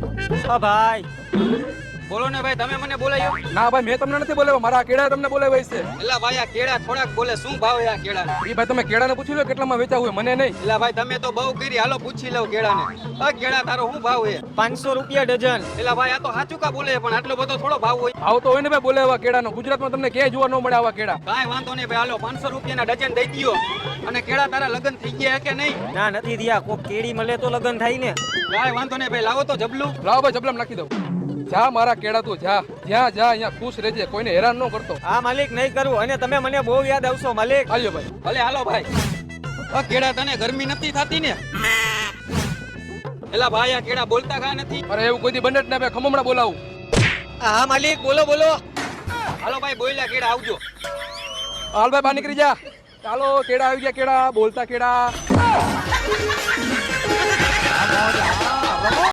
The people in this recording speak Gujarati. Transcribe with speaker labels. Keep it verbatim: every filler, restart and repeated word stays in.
Speaker 1: હા ભાઈ
Speaker 2: બોલો ને ભાઈ, તમે મને બોલાયો?
Speaker 3: ના ભાઈ મેં તમને નથી બોલાવ્યો, મારા કેળા તમને બોલાવ્યા છે.
Speaker 2: એલા ભાઈ આ કેળા થોડાક બોલે, શું ભાવ છે આ કેળાના?
Speaker 3: એ ભાઈ તમે કેળાને પૂછી લો કેટલામાં વેચાવું હોય, મને નહીં.
Speaker 2: એલા ભાઈ તમે તો બહુ કરી, હાલો પૂછી લઉં કેળાને. આ કેળા તારો શું ભાવ છે?
Speaker 1: પાંચસો રૂપિયા ડઝન.
Speaker 2: એલા ભાઈ આ તો સાચું કા બોલે, પણ આટલો બધો થોડો ભાવ હોય?
Speaker 3: આવતો હોય ને ભાઈ બોલાવ્યા કેળાનો, ગુજરાતમાં તમને ક્યાંય જોવા ન મળે આવા કેળા.
Speaker 2: કાંઈ વાંધો નહીં ભાઈ, હાલો પાંચસો રૂપિયાના ડઝન દઈ દ્યો. અને કેળા તારા લગ્ન થઈ ગયા કે નહીં?
Speaker 1: ના નથી થયા, કોક કેડી મળે તો લગન થાય ને.
Speaker 2: કાંઈ વાંધો નહીં ભાઈ, લાવો તો જબલું.
Speaker 3: લાવો ભાઈ જબલામ નાખી દઉં. જા મારા કેળા તું જા, જ્યાં જા અહીંયા ખુશ રહેજે, કોઈને હેરાન ન કરતો.
Speaker 1: હા માલિક નહીં કરું, અને તમે મને બહુ યાદ આવશો માલિક.
Speaker 3: હાલ્યો ભાઈ.
Speaker 2: ભલે હાલો ભાઈ. આ કેળા તને ગરમી નથી થતી ને? એલા ભાઈ આ કેળા બોલતા કા નથી?
Speaker 3: અરે એવું કોઈ દી બને જ ના ભાઈ, ખમમણા બોલાવું.
Speaker 1: હા માલિક બોલો બોલો.
Speaker 2: હાલો ભાઈ બોલ્યા કેળા આવજો.
Speaker 3: હાલ ભાઈ બહાર નીકળી જા. ચાલો કેળા આવી ગયા, કેળા બોલતા કેળા.